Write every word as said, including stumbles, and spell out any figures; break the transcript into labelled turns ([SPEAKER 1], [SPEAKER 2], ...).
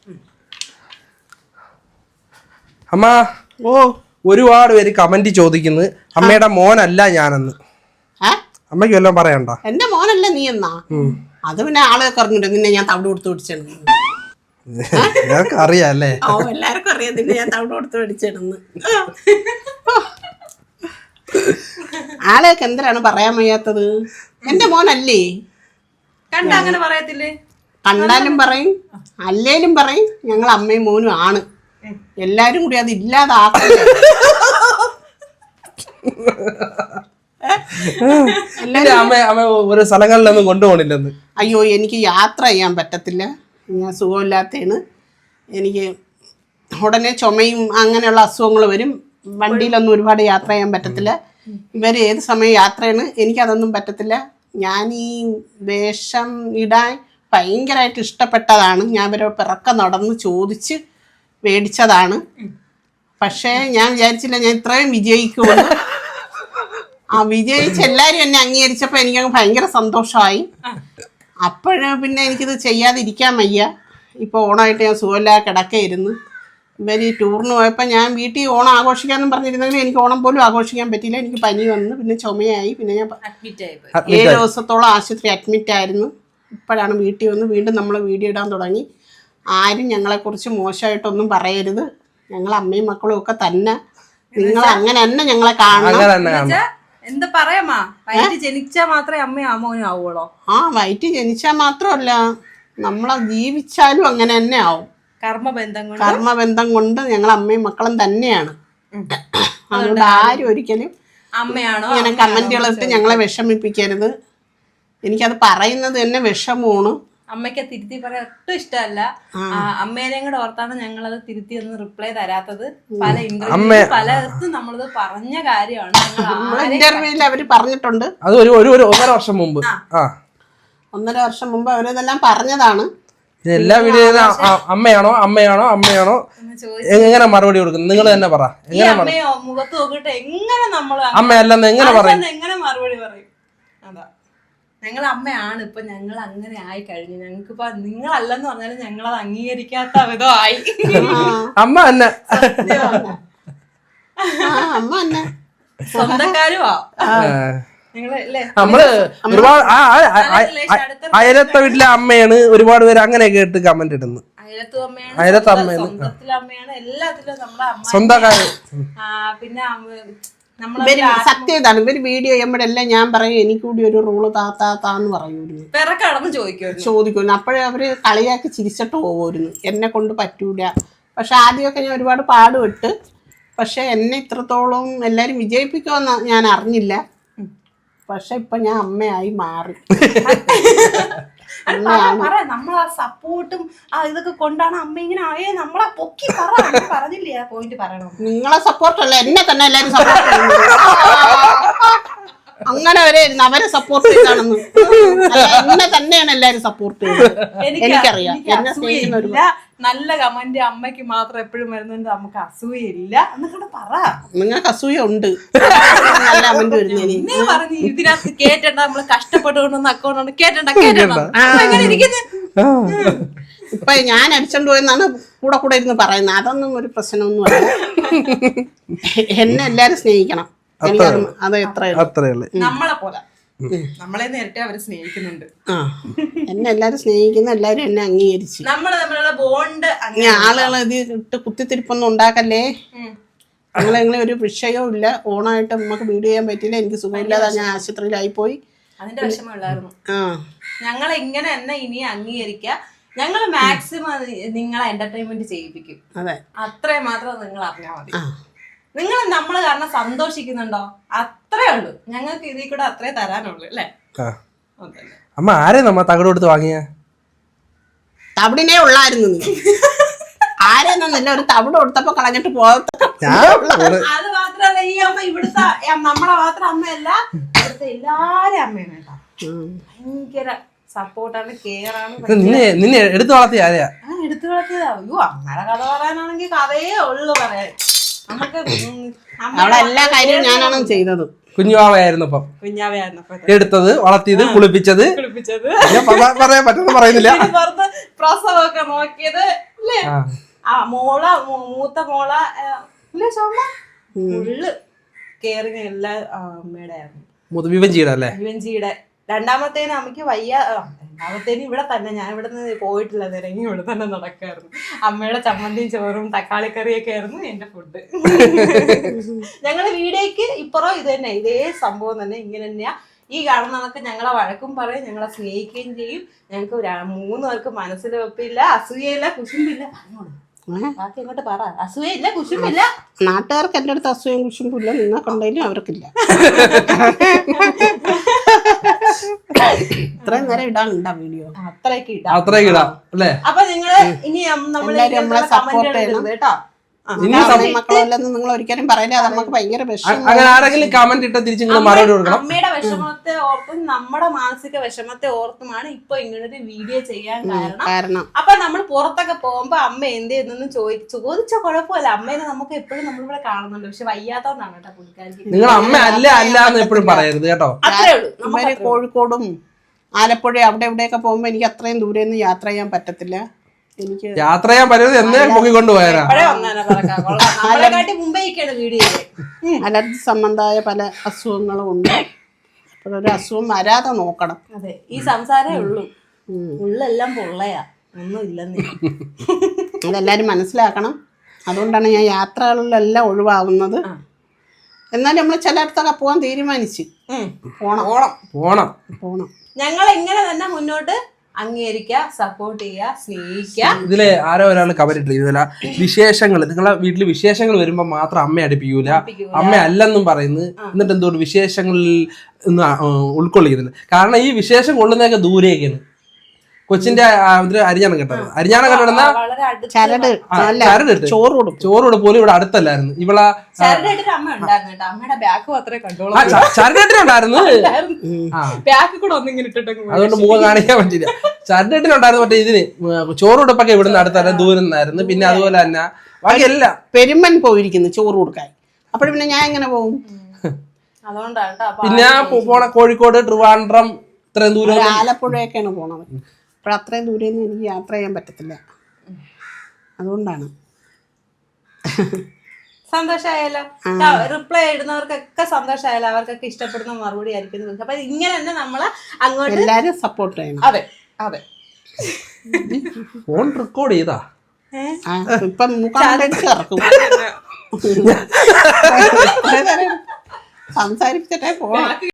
[SPEAKER 1] അമ്മ ഓ ഒരുപാട് പേര് കമന്റ് ചോദിക്കുന്നു അമ്മയുടെ മോനല്ല ഞാനെന്ന്. അമ്മയ്ക്ക് വല്ലതും പറയണ്ട.
[SPEAKER 2] എന്റെ മോനല്ല നീ എന്നാ? അത് പിന്നെ ആളൊക്കെ അറിഞ്ഞിട്ട് നിന്നെ ഞാൻ തവിട് കൊടുത്ത് പിടിച്ചിടുന്നു.
[SPEAKER 1] അറിയാല്ലേ?
[SPEAKER 2] ഓ എല്ലാവർക്കും അറിയാം നിന്നെ ഞാൻ തവിട് കൊടുത്ത് പിടിച്ചിടുന്നു. ആളെയൊക്കെ എന്തിനാണ് പറയാൻ വയ്യാത്തത്? എന്റെ മോനല്ലേ?
[SPEAKER 3] കണ്ട അങ്ങനെ പറയത്തില്ലേ?
[SPEAKER 2] കണ്ടാലും പറയും അല്ലേലും പറയും ഞങ്ങൾ അമ്മയും മോനും ആണ്. എല്ലാരും കൂടി അത് ഇല്ലാതാക്കണം.
[SPEAKER 1] ഒരു സ്ഥലങ്ങളിലൊന്നും കൊണ്ടുപോകണില്ലെന്ന്.
[SPEAKER 2] അയ്യോ എനിക്ക് യാത്ര ചെയ്യാൻ പറ്റത്തില്ല, ഞാൻ സുഖമില്ലാത്തതാണ്. എനിക്ക് ഉടനെ ചുമയും അങ്ങനെയുള്ള അസുഖങ്ങൾ വരും. വണ്ടിയിലൊന്നും ഒരുപാട് യാത്ര ചെയ്യാൻ പറ്റത്തില്ല. ഇവർ ഏത് സമയം യാത്രയാണ്, എനിക്കതൊന്നും പറ്റത്തില്ല. ഞാൻ ഈ വേഷം ഇടാൻ ഭയങ്കരമായിട്ട് ഇഷ്ടപ്പെട്ടതാണ്. ഞാൻ ഇവരെ പിറക്ക നടന്ന് ചോദിച്ച് മേടിച്ചതാണ്. പക്ഷേ ഞാൻ വിചാരിച്ചില്ല ഞാൻ ഇത്രയും വിജയിക്കുമെന്ന്. ആ വിജയിച്ച് എല്ലാവരും എന്നെ അംഗീകരിച്ചപ്പോൾ എനിക്കങ്ങ് ഭയങ്കര സന്തോഷമായി. അപ്പോഴ് പിന്നെ എനിക്കിത് ചെയ്യാതിരിക്കാൻ വയ്യ. ഇപ്പോൾ ഓണമായിട്ട് ഞാൻ സുഖമില്ലാതെ കിടക്കയിരുന്നു. ഇവർ ഈ ടൂറിന് പോയപ്പോൾ ഞാൻ വീട്ടിൽ ഓണം ആഘോഷിക്കാമെന്നും പറഞ്ഞിരുന്നെങ്കിൽ എനിക്ക് ഓണം പോലും ആഘോഷിക്കാൻ പറ്റിയില്ല. എനിക്ക് പനി വന്നു, പിന്നെ ചുമയായി, പിന്നെ ഞാൻ ഏഴ് ദിവസത്തോളം ആശുപത്രി അഡ്മിറ്റ് ആയിരുന്നു. ഇപ്പോഴാണ് വീട്ടിൽ വന്ന് വീണ്ടും നമ്മൾ വീഡിയോ ഇടാൻ തുടങ്ങി. ആരും ഞങ്ങളെക്കുറിച്ച് മോശമായിട്ടൊന്നും പറയരുത്. ഞങ്ങൾ അമ്മയും മക്കളും ഒക്കെ തന്നെ നിങ്ങൾ അങ്ങനെ തന്നെ ഞങ്ങളെ കാണണം.
[SPEAKER 3] എന്താ പറയാമാ, വയറ്റ് ജനിച്ചാ മാത്രമേ അമ്മയും അമ്മോനും ആവുള്ളൂ.
[SPEAKER 2] ആ വയറ്റ് ജനിച്ചാൽ മാത്രമല്ല, നമ്മളെ ജീവിച്ചാലും അങ്ങനെ തന്നെ ആവും.
[SPEAKER 3] കർമ്മബന്ധം കൊണ്ട്
[SPEAKER 2] കർമ്മബന്ധം കൊണ്ട് ഞങ്ങൾ അമ്മയും മക്കളും തന്നെയാണ്. അതുകൊണ്ട് ആരും ഒരിക്കലും
[SPEAKER 3] അമ്മയാണോ
[SPEAKER 2] ഇങ്ങനെ കമന്റുകളിട്ട് ഞങ്ങളെ വിഷമിപ്പിക്കരുത്. എനിക്കത് പറയുന്നത് തന്നെ വിഷമമാണ്.
[SPEAKER 3] അമ്മയ്ക്ക് തിരുത്തി പറയാൻ ഒട്ടും ഇഷ്ടമല്ല. അമ്മേനെയും കൂടെ ഓർത്താണ് ഞങ്ങളത് തിരുത്തി ഒന്നും റിപ്ലൈ തരാത്തത്. പല ഇന്റർവ്യൂ പലയിടത്തും നമ്മളത് പറഞ്ഞ കാര്യമാണ്.
[SPEAKER 2] ഇന്റർവ്യൂവിൽ അവര് പറഞ്ഞിട്ടുണ്ട്.
[SPEAKER 1] അത് ഒരു ഒന്നര വർഷം മുമ്പ്
[SPEAKER 2] ഒന്നര വർഷം മുമ്പ് അവരിതെല്ലാം പറഞ്ഞതാണ്.
[SPEAKER 1] എല്ലാ വീഡിയോയിലും അമ്മയാണോ അമ്മയാണോ അമ്മയാണോ എങ്ങനെ മറുപടി കൊടുക്കും? നിങ്ങൾ തന്നെ പറ.
[SPEAKER 3] അമ്മയോ മുഖത്ത് നോക്കിട്ട് എങ്ങനെ നമ്മൾ
[SPEAKER 1] അമ്മയല്ലെന്ന് എങ്ങനെ പറയും?
[SPEAKER 3] എങ്ങനെ മറുപടി പറയും? അതാ ഞങ്ങൾ അമ്മയാണ്. ഇപ്പൊ ഞങ്ങൾ അങ്ങനെ ആയി കഴിഞ്ഞു. ഞങ്ങൾക്കിപ്പോ നിങ്ങളല്ലെന്ന് പറഞ്ഞാലും ഞങ്ങളത് അംഗീകരിക്കാത്ത വിധമായി.
[SPEAKER 1] അമ്മ തന്നെ
[SPEAKER 2] അമ്മ തന്നെ
[SPEAKER 3] സ്വന്തക്കാരുവാ.
[SPEAKER 1] നമ്മള് ഒരുപാട് അയലത്തെ വീട്ടിലെ അമ്മയാണ് ഒരുപാട് പേര് അങ്ങനെ കേട്ട് കമന്റ് ഇടുന്നു. അയലത്തെ അമ്മയാണ്,
[SPEAKER 3] എല്ലാത്തിലും നമ്മുടെ അമ്മ
[SPEAKER 1] സ്വന്തക്കാര്.
[SPEAKER 3] പിന്നെ
[SPEAKER 2] സത്യം ഇതാണ്, ഇവര് വീഡിയോ ചെയ്യുമ്പോഴെല്ലാം ഞാൻ പറയും എനിക്ക് കൂടി ഒരു റൂള് താത്താ താന്ന് പറയൂരുന്നു, ചോദിക്കുന്നു. അപ്പോഴേ അവര് കളിയാക്കി ചിരിച്ചിട്ട് പോകുമായിരുന്നു. എന്നെ കൊണ്ട് പറ്റൂല. പക്ഷെ ആദ്യമൊക്കെ ഞാൻ ഒരുപാട് പാടുപെട്ട്. പക്ഷെ എന്നെ ഇത്രത്തോളം എല്ലാരും വിജയിപ്പിക്കുമെന്ന് ഞാൻ അറിഞ്ഞില്ല. പക്ഷെ ഇപ്പൊ ഞാൻ അമ്മയായി മാറി.
[SPEAKER 3] നമ്മളെ സപ്പോർട്ടും ഇതൊക്കെ കൊണ്ടാണ് അമ്മ ഇങ്ങനെ ആയേ. നമ്മളെ പൊക്കി പറഞ്ഞില്ലേ ആ പോയിന്റ് പറയണം.
[SPEAKER 2] നിങ്ങളെ സപ്പോർട്ടല്ല, എന്നെ തന്നെ എല്ലാരും സപ്പോർട്ട് ചെയ്യുന്നു. അങ്ങനെ വരെ അവരെ സപ്പോർട്ട് ചെയ്താണെന്ന് എന്നെ തന്നെയാണ് എല്ലാരും സപ്പോർട്ട് ചെയ്യുന്നത്. എനിക്കറിയാം എന്നെ സ്നേഹിക്കുന്ന ഒരു
[SPEAKER 3] നല്ല കമന്റ് അമ്മയ്ക്ക് മാത്രം എപ്പോഴും വരുന്നുണ്ട്. നമുക്ക് അസൂയയില്ല എന്നൊക്കെ പറ.
[SPEAKER 2] നിങ്ങൾക്ക് അസൂയ ഉണ്ട്. നല്ല കമന്റ് വരുന്നതിന്
[SPEAKER 3] പറഞ്ഞു ഇതിനകത്ത് കേട്ടണ്ട. നമ്മള് കഷ്ടപ്പെട്ടുകൊണ്ടൊന്ന് അക്കൗണ്ട് കേട്ടണ്ട കേട്ടണ്ട.
[SPEAKER 2] ഇപ്പൊ ഞാൻ അടിച്ചോണ്ട് പോയെന്നാണ് കൂടെ കൂടെ ഇരുന്ന് പറയുന്നത്. അതൊന്നും ഒരു പ്രശ്നമൊന്നും അല്ല. എന്നെ എല്ലാരും സ്നേഹിക്കണം. അത് എത്ര
[SPEAKER 3] നമ്മളെ പോലെ നമ്മളെ നേരിട്ട് അവര് സ്നേഹിക്കുന്നുണ്ട്.
[SPEAKER 2] ആ എന്നെ എല്ലാരും സ്നേഹിക്കുന്നു. എല്ലാരും എന്നെ അംഗീകരിച്ചു.
[SPEAKER 3] നമ്മള് തമ്മിലുള്ള ബോണ്ട്
[SPEAKER 2] ആളുകൾ ഇത് ഇട്ട് കുത്തിത്തിരിപ്പൊന്നും ഉണ്ടാക്കല്ലേ. ഞങ്ങളെങ്ങനെ ഒരു വിഷയവും ഇല്ല. ഓണായിട്ട് നമുക്ക് വീഡിയോ ചെയ്യാൻ പറ്റിയില്ല. എനിക്ക് സുഖമില്ലാതെ ഞാൻ ആശുപത്രിയിലായി പോയി.
[SPEAKER 3] അതിന്റെ വിഷമമുള്ളായിരുന്നു. ഞങ്ങളെ ഇങ്ങനെ തന്നെ ഇനി അംഗീകരിക്കുക. ഞങ്ങള് മാക്സിമം നിങ്ങളെ എന്റർടൈൻമെന്റ് ചെയ്യിപ്പിക്കും.
[SPEAKER 2] അതെ,
[SPEAKER 3] അത്രയും മാത്രം നിങ്ങൾ അറിഞ്ഞാൽ മതി. നിങ്ങൾ നമ്മള് കാരണം സന്തോഷിക്കുന്നുണ്ടോ? അത്രേ ഉള്ളൂ. ഞങ്ങൾക്ക് ഇതിൽ കൂടെ അത്രേ തരാനുള്ളൂ അല്ലേ?
[SPEAKER 1] അമ്മ ആരെ നമ്മ തകട് കൊടുത്ത് വാങ്ങിയ?
[SPEAKER 2] തവിടിനെ ഉള്ളായിരുന്നു. നീ ആരെന്നല്ല ഒരു തവിട് കൊടുത്തപ്പോ കളഞ്ഞിട്ട് പോകത്ത.
[SPEAKER 3] അത് മാത്രല്ല ഈ അമ്മ ഇവിടുത്തെ നമ്മളെ മാത്രം അമ്മയല്ല, ഇവിടുത്തെ എല്ലാരും അമ്മയാണ് കേട്ടോ. ഭയങ്കര സപ്പോർട്ടാണ്, കെയർ ആണ്.
[SPEAKER 1] നിന്നെ എടുത്തു വളർത്തിയ ആരെയാ?
[SPEAKER 3] എടുത്തു വളർത്തിയതാ. അയ്യോ അങ്ങനെ കഥ പറയാനാണെങ്കിൽ കഥയേ ഉള്ളു പറയാൻ. നമുക്ക്
[SPEAKER 2] അവിടെ എല്ലാ കാര്യവും ഞാനാണ് ചെയ്തത്.
[SPEAKER 1] കുഞ്ഞുവാവയായിരുന്നപ്പോ
[SPEAKER 3] കുഞ്ഞാവയായിരുന്നപ്പോ
[SPEAKER 1] എടുത്തത്, വളർത്തിയത്, കുളിപ്പിച്ചത്,
[SPEAKER 3] കുളിപ്പിച്ചത്,
[SPEAKER 1] പറയാൻ പറ്റുന്ന പറയുന്നില്ല,
[SPEAKER 3] പ്രസവമൊക്കെ നോക്കിയത് അല്ലേ? ആ മോള മൂ- മൂത്ത മോള ആ, ഇല്ലേ ശോഭ ഫുള്ള് കെയറിങ് എല്ലാം ആ, അമ്മയുടെ ആയിരുന്നു.
[SPEAKER 1] വിവഞ്ചിയുടെ അല്ലേ?
[SPEAKER 3] വിവഞ്ചിയുടെ. രണ്ടാമത്തേന് അമ്മയ്ക്ക് വയ്യ. ആ, രണ്ടാമത്തേന് ഇവിടെ തന്നെ, ഞാൻ ഇവിടെ നിന്ന് പോയിട്ടില്ല, നിരങ്ങി ഇവിടെ തന്നെ നടക്കായിരുന്നു. അമ്മയുടെ ചമ്മന്തിയും ചോറും തക്കാളിക്കറിയൊക്കെ ആയിരുന്നു എന്റെ ഫുഡ്. ഞങ്ങള് വീടേക്ക് ഇപ്പുറം ഇത് തന്നെ, ഇതേ സംഭവം തന്നെ, ഇങ്ങനെ തന്നെയാ. ഈ കാണുന്നതൊക്കെ ഞങ്ങളെ വഴക്കും പറയും, ഞങ്ങളെ സ്നേഹിക്കുകയും ചെയ്യും. ഞങ്ങൾക്ക് മൂന്ന് പേർക്ക് മനസ്സിൽ വെപ്പില്ല, അസൂയയില്ല, കുശുമ്പില്ല. ബാക്കി അങ്ങോട്ട് പറ. അസൂയയില്ല, കുശുമ്പില്ല.
[SPEAKER 2] നാട്ടുകാർക്ക് എന്റെ അടുത്ത് അസൂയം കുശുമ്പില്ല, നിങ്ങൾക്കുണ്ടെങ്കിലും അവർക്കില്ല. ഇത്രയും നേരം ഇടാനുണ്ടാ വീഡിയോ?
[SPEAKER 3] അത്രയൊക്കെ ഇടാം,
[SPEAKER 1] അത്രയൊക്കെ ഇടാം അല്ലേ?
[SPEAKER 3] അപ്പൊ നിങ്ങള് ഇനി നമ്മളെ
[SPEAKER 2] സപ്പോർട്ട് ചെയ്യണം
[SPEAKER 3] കേട്ടോ.
[SPEAKER 2] മക്കളല്ലെന്ന് നിങ്ങൾ ഒരിക്കലും പറയില്ല, അത് നമുക്ക് ഭയങ്കര വിഷമം.
[SPEAKER 1] അങ്ങനെ ആരെങ്കിലും കമന്റ് ഇട്ടാൽ തിരിച്ച് നിങ്ങൾ മറുപടി കൊടുക്കണം.
[SPEAKER 3] അമ്മയുടെ വിഷമത്തെ ഓർത്തും നമ്മുടെ മാനസിക വിഷമത്തെ ഓർത്തുമാണ് ഇപ്പൊ ഇങ്ങനൊരു വീഡിയോ ചെയ്യാൻ കാരണം.
[SPEAKER 2] കാരണം
[SPEAKER 3] അപ്പൊ നമ്മൾ പുറത്തൊക്കെ പോകുമ്പോ അമ്മ എന്ത് ചെയ്യുന്നു ചോദിച്ചു ചോദിച്ച കുഴപ്പമില്ല. അമ്മേനെ നമുക്ക് എപ്പോഴും നമ്മളിവിടെ കാണുന്നുണ്ട്, പക്ഷെ വയ്യാത്തോണ്ടാണ് കേട്ടോ പുള്ളിക്കാരിക്ക്.
[SPEAKER 1] നിങ്ങൾ അമ്മ അല്ല അല്ല എന്ന് എപ്പോഴും പറയരുത് കേട്ടോ.
[SPEAKER 3] അത്രേ ഉള്ളൂ.
[SPEAKER 2] ഇവര് കോഴിക്കോടും ആലപ്പുഴ അവിടെ ഇവിടെയൊക്കെ പോകുമ്പോ എനിക്ക് അത്രയും ദൂരെ നിന്ന് യാത്ര ചെയ്യാൻ പറ്റത്തില്ല. എനിക്ക്
[SPEAKER 1] യാത്ര ചെയ്യാൻ പറ്റുന്നത് എന്നേ പൊക്കിക്കൊണ്ട് പോയാലാ.
[SPEAKER 3] അലർജി
[SPEAKER 2] സംബന്ധമായ പല അസുഖങ്ങളും ഉണ്ട്. അപ്പോഴൊരു അസുഖം വരാതെ നോക്കണം.
[SPEAKER 3] അതെ, ഈ സംസാരേ ഉള്ളൂ, ഉള്ളെല്ലാം പൊള്ളയാ, ഒന്നും ഇല്ലെന്ന്.
[SPEAKER 2] അതെല്ലാരും മനസ്സിലാക്കണം. അതുകൊണ്ടാണ് ഞാൻ യാത്രകളിലെല്ലാം ഒഴിവാകുന്നത്. എന്നാലും നമ്മൾ ചിലയിടത്തൊക്കെ പോകാൻ തീരുമാനിച്ച് പോണം
[SPEAKER 1] പോണം
[SPEAKER 2] പോണം
[SPEAKER 3] ഞങ്ങൾ ഇങ്ങനെ തന്നെ മുന്നോട്ട് അംഗീകരിക്കുക, സപ്പോർട്ട് ചെയ്യുക, സ്നേഹിക്കുക.
[SPEAKER 1] ഇതില് ആരോ ഒരാൾ കവറിട്ട് ഇതില വിശേഷങ്ങൾ, നിങ്ങളെ വീട്ടില് വിശേഷങ്ങൾ വരുമ്പോ മാത്രം അമ്മ അടുപ്പിക്കൂല, അമ്മ അല്ലെന്നും പറയുന്നത്. എന്നിട്ട് എന്തുകൊണ്ട് വിശേഷങ്ങളിൽ ഉൾക്കൊള്ളിക്കുന്നില്ല? കാരണം ഈ വിശേഷം കൊള്ളുന്നതൊക്കെ ദൂരേക്കാണ്. കൊച്ചിന്റെ അരിഞ്ഞാണ് കേട്ടത്. അരിഞ്ഞാണ് കേട്ടത്
[SPEAKER 2] ചരട്
[SPEAKER 1] ചരടിട്ട്
[SPEAKER 2] ചോറ് കൊടുക്കും.
[SPEAKER 1] ചോറ് പോലും ഇവിടെ അടുത്തല്ലായിരുന്നു. ഇവളെ
[SPEAKER 3] അമ്മ ഉണ്ടായിരുന്നു, അമ്മയുടെ ബാഗ് മാത്രമേ കണ്ടോളൂ.
[SPEAKER 1] ചരടിട്ടുണ്ടായിരുന്നു,
[SPEAKER 3] ബാഗ് കൂടെ ഒന്നിങ്ങനെ ഇട്ടിട്ട്
[SPEAKER 1] അതുകൊണ്ട് മുഖം കാണിക്കാൻ പറ്റില്ല. ചരടിട്ടുണ്ടായിരുന്നു. മറ്റേ ഇതിന് ചോറുടുപ്പൊക്കെ ഇവിടുന്ന് അടുത്തല്ല ദൂരം നിന്നായിരുന്നു. പിന്നെ അതുപോലെ തന്നെ ബാക്കിയെല്ലാം
[SPEAKER 2] പെരുമൻ പോയിരിക്കുന്നു ചോറ് കൊടുക്കാൻ. അപ്പോഴും പിന്നെ ഞാൻ എങ്ങനെ പോകും?
[SPEAKER 3] അതുകൊണ്ടാണ്
[SPEAKER 1] പിന്നെ പോണ കോഴിക്കോട്, ട്രിവാൻഡ്രം, ഇത്രയും ദൂരം,
[SPEAKER 2] ആലപ്പുഴയൊക്കെയാണ് പോണത്. അപ്പോൾ അത്രയും ദൂരെ ഒന്നും എനിക്ക് യാത്ര ചെയ്യാൻ പറ്റത്തില്ല. അതുകൊണ്ടാണ്.
[SPEAKER 3] സന്തോഷമായാലോ? റിപ്ലൈ ഇടുന്നവർക്കൊക്കെ സന്തോഷമായാലോ? അവർക്കൊക്കെ ഇഷ്ടപ്പെടുന്ന മറുപടി ആയിരിക്കും. അപ്പൊ ഇങ്ങനെ തന്നെ നമ്മള് അങ്ങോട്ട്
[SPEAKER 2] എല്ലാരും സപ്പോർട്ട് ചെയ്യണം.
[SPEAKER 3] അതെ അതെ.
[SPEAKER 1] ഫോൺ റെക്കോർഡ് ചെയ്താ
[SPEAKER 2] ഇപ്പം മുഖം ഇറക്കും. സംസാരിച്ചിട്ടേ പോകണം.